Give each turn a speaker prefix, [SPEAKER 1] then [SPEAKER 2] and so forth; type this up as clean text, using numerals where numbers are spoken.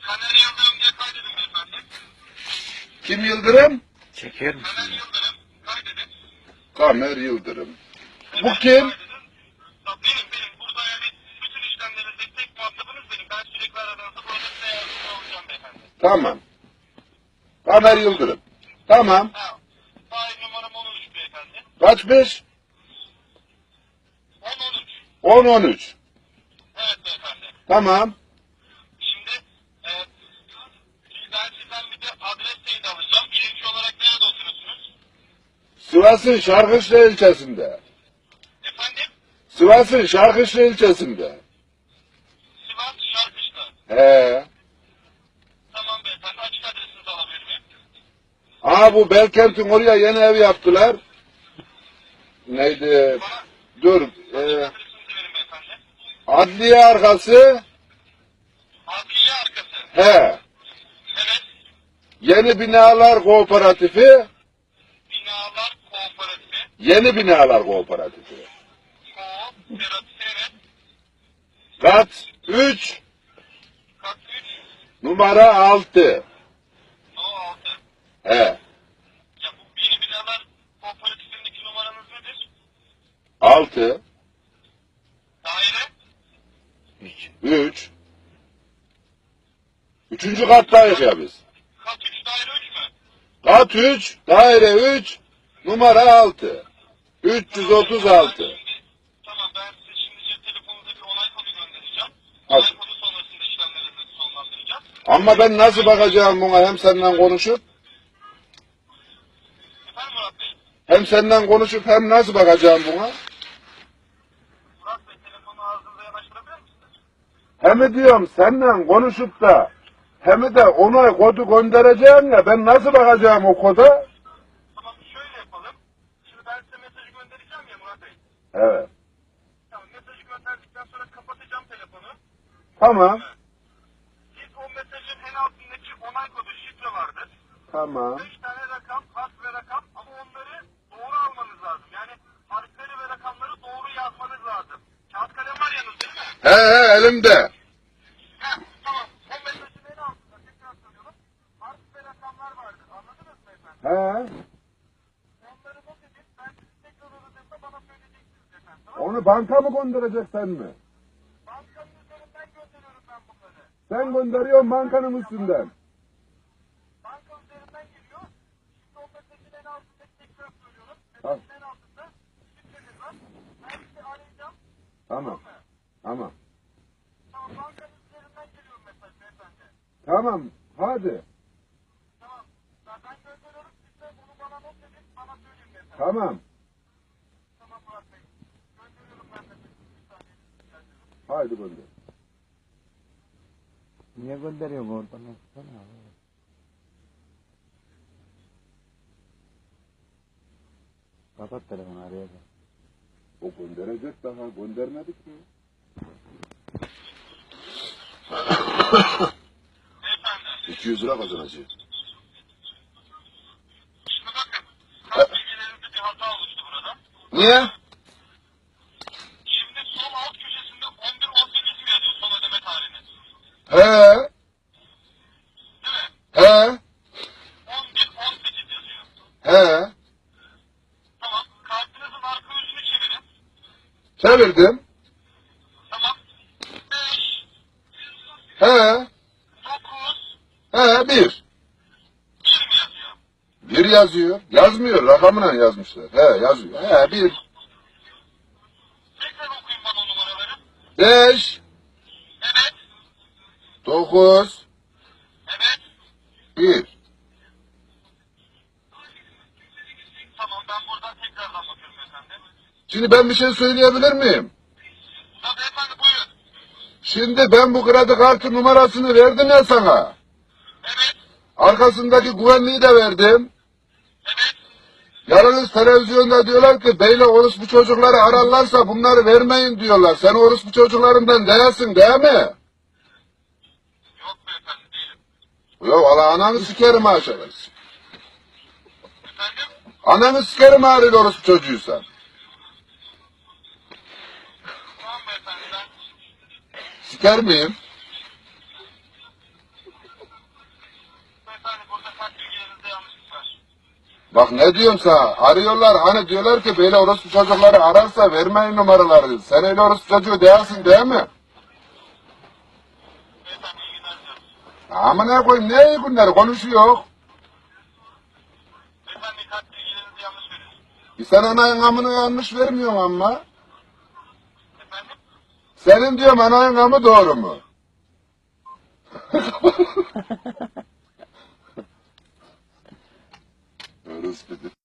[SPEAKER 1] Taner Yıldırım diye kaydedin beyefendi.
[SPEAKER 2] Kim Yıldırım?
[SPEAKER 3] Çeker misin?
[SPEAKER 1] Taner Yıldırım kaydedin.
[SPEAKER 2] Kamer Yıldırım. Bu
[SPEAKER 1] Evet,
[SPEAKER 2] kim?
[SPEAKER 1] kaydedin. Ya benim. Burada yani bütün işlemlerinizde tek muhatabınız benim. Ben sürekli aradığınızda burada size yardımcı olacağım beyefendi.
[SPEAKER 2] Tamam. Kamer Yıldırım. Tamam.
[SPEAKER 1] Ha. Faiz numaram 13 beyefendi.
[SPEAKER 2] Kaçmış?
[SPEAKER 1] 10-13.
[SPEAKER 2] 10-13.
[SPEAKER 1] Evet beyefendi.
[SPEAKER 2] Tamam.
[SPEAKER 1] Şimdi ben sizden bir de adres teyit alacağım. Birinci olarak nerede oturuyorsunuz?
[SPEAKER 2] Sivas'ın Şarkışla ilçesinde.
[SPEAKER 1] Efendim?
[SPEAKER 2] Sivas'ın Şarkışla ilçesinde.
[SPEAKER 1] Sivas Şarkışla.
[SPEAKER 2] He.
[SPEAKER 1] Tamam beyefendi. Açık adresinizi alabilir miyim?
[SPEAKER 2] Aa, bu Belkent'in oraya yeni ev yaptılar. Neydi? Dur.
[SPEAKER 1] Adresinizi verin beyefendi.
[SPEAKER 2] Adliye arkası.
[SPEAKER 1] Adliye arkası.
[SPEAKER 2] He.
[SPEAKER 1] Evet.
[SPEAKER 2] Yeni Binalar Kooperatifi.
[SPEAKER 1] Binalar Kooperatifi.
[SPEAKER 2] Yeni Binalar Kooperatifi.
[SPEAKER 1] Kooperatifi evet.
[SPEAKER 2] Kat 3.
[SPEAKER 1] Kat 3.
[SPEAKER 2] Numara 6.
[SPEAKER 1] No 6.
[SPEAKER 2] He.
[SPEAKER 1] Ya bu yeni binalar kooperatifindeki numaranız nedir?
[SPEAKER 2] 6.
[SPEAKER 1] Daire.
[SPEAKER 2] 3. Üçüncü kattayız ya biz.
[SPEAKER 1] Kat 3 daire 3 mü?
[SPEAKER 2] Kat 3, daire 3, numara 6. 336.
[SPEAKER 1] Tamam ben size şimdi cep telefonunuza bir onay kodu göndereceğim.
[SPEAKER 2] Al.
[SPEAKER 1] Onay kodu sonrasında işlemlerinizi sonlandıracağız.
[SPEAKER 2] Ama ben nasıl bakacağım buna, hem senden konuşup?
[SPEAKER 1] Efendim Murat Bey?
[SPEAKER 2] Hem senden konuşup hem nasıl bakacağım buna?
[SPEAKER 1] Murat Bey telefonu ağzınıza yanaştırabilir misiniz?
[SPEAKER 2] Hem diyorum senden konuşup da hem de onay kodu göndereceğim ya, ben nasıl bakacağım o koda?
[SPEAKER 1] Tamam şöyle yapalım. Şimdi ben size mesajı göndereceğim ya Murat Bey.
[SPEAKER 2] Evet.
[SPEAKER 1] Tamam mesajı gönderdikten sonra kapatacağım telefonu.
[SPEAKER 2] Tamam.
[SPEAKER 1] Siz o mesajın en altındaki onay kodu şifre vardır.
[SPEAKER 2] Tamam.
[SPEAKER 1] 5 tane rakam, harf ve rakam ama onları doğru almanız lazım. Yani harfleri ve rakamları doğru yazmanız lazım. Kağıt kalem var yanınızda değil mi?
[SPEAKER 2] He elimde.
[SPEAKER 1] Heh, tamam. O mesajın en altında tekrar söylüyorum. Harf ve rakamlar vardır. Anladınız mı efendim?
[SPEAKER 2] He.
[SPEAKER 1] Onları not edin. Ben sizi tekrar aradığımda bana söyleyeceksiniz efendim. Tamam mı?
[SPEAKER 2] Onu banka mı göndereceksen mi?
[SPEAKER 1] Bankanın üzerinden gönderiyorum ben bunları.
[SPEAKER 2] Sen gönderiyorsun bankanın üstünden.
[SPEAKER 1] Banka üzerinden geliyor. Şimdi o mesajın en altında tekrar söylüyorum.
[SPEAKER 2] Tamam.
[SPEAKER 1] Mesajın en altında şifreniz var. Ben sizi arayacağım.
[SPEAKER 2] Tamam. Tamam.
[SPEAKER 1] Tamam bankanın üzerinden geliyor mesaj beyefendi.
[SPEAKER 2] Tamam. Hadi.
[SPEAKER 1] Tamam. Ben gönderiyorum. Siz de bunu bana not edin. Bana söyleyin beyefendi.
[SPEAKER 2] Tamam.
[SPEAKER 1] Tamam Murat Bey. Gönderiyorum ben mesajı. Bir saniye. Rica ederim.
[SPEAKER 2] Haydi gönder.
[SPEAKER 3] Niye gönderiyor bu oradan? Baksana abi. Kapat telefonu araya bak.
[SPEAKER 2] O gönderecek, daha göndermedik mi?
[SPEAKER 1] Beyefendi.
[SPEAKER 2] 200 lira kazanacak.
[SPEAKER 1] Şimdi bakın. Kart bilgilerinizde bir hata oluştu burada.
[SPEAKER 2] Niye?
[SPEAKER 1] Şimdi sol alt köşesinde 11-18 mi yazıyor son ödeme tarihiniz?
[SPEAKER 2] He.
[SPEAKER 1] Değil mi?
[SPEAKER 2] He.
[SPEAKER 1] 11-18 yazıyor.
[SPEAKER 2] He.
[SPEAKER 1] Tamam. Kartınızın arka yüzünü çevirin.
[SPEAKER 2] Çevirdim.
[SPEAKER 1] Tamam. 5,
[SPEAKER 2] He.
[SPEAKER 1] 9,
[SPEAKER 2] He. 1.
[SPEAKER 1] 1 mi yazıyor?
[SPEAKER 2] 1 yazıyor. Yazmıyor. Rakamına yazmışlar. He yazıyor. He 1.
[SPEAKER 1] Tekrar okuyun bana o numaraları.
[SPEAKER 2] 5.
[SPEAKER 1] Evet.
[SPEAKER 2] 9.
[SPEAKER 1] Evet.
[SPEAKER 2] 1.
[SPEAKER 1] Tamam ben buradan tekrardan bakıyorum efendim.
[SPEAKER 2] Şimdi ben bir şey söyleyebilir miyim?
[SPEAKER 1] Tabii efendim buyurun.
[SPEAKER 2] Şimdi ben bu kredi kartı numarasını verdim ya sana.
[SPEAKER 1] Evet.
[SPEAKER 2] Arkasındaki güvenliği de verdim.
[SPEAKER 1] Evet.
[SPEAKER 2] Yarınız televizyonda diyorlar ki beyle orospu çocukları ararlarsa bunları vermeyin diyorlar. Sen orospu çocuklarından değilsin değil mi?
[SPEAKER 1] Yok beyefendi değilim.
[SPEAKER 2] Yok Allah ananı sikerim aşağıda.
[SPEAKER 1] Efendim?
[SPEAKER 2] Ananı sikerim ağrıyla orospu çocuğuysan.
[SPEAKER 1] Tamam beyefendi ben
[SPEAKER 2] Siker miyim? Bak ne diyorum sana, arıyorlar hani diyorlar ki böyle orospu çocukları ararsa vermeyin numaraları. Sen öyle orospu çocuğu değilsin değil mi?
[SPEAKER 1] Beyefendi iyi günler diliyoruz.
[SPEAKER 2] Ama ne koyayım, ne iyi günler konuşuyor.
[SPEAKER 1] Beyefendi kart bilgilerinizi yanlış veriyorsunuz.
[SPEAKER 2] Sen anayın amını yanlış vermiyorsun ama.
[SPEAKER 1] Efendim?
[SPEAKER 2] Senin diyorum anayın amı doğru mu? Orospu.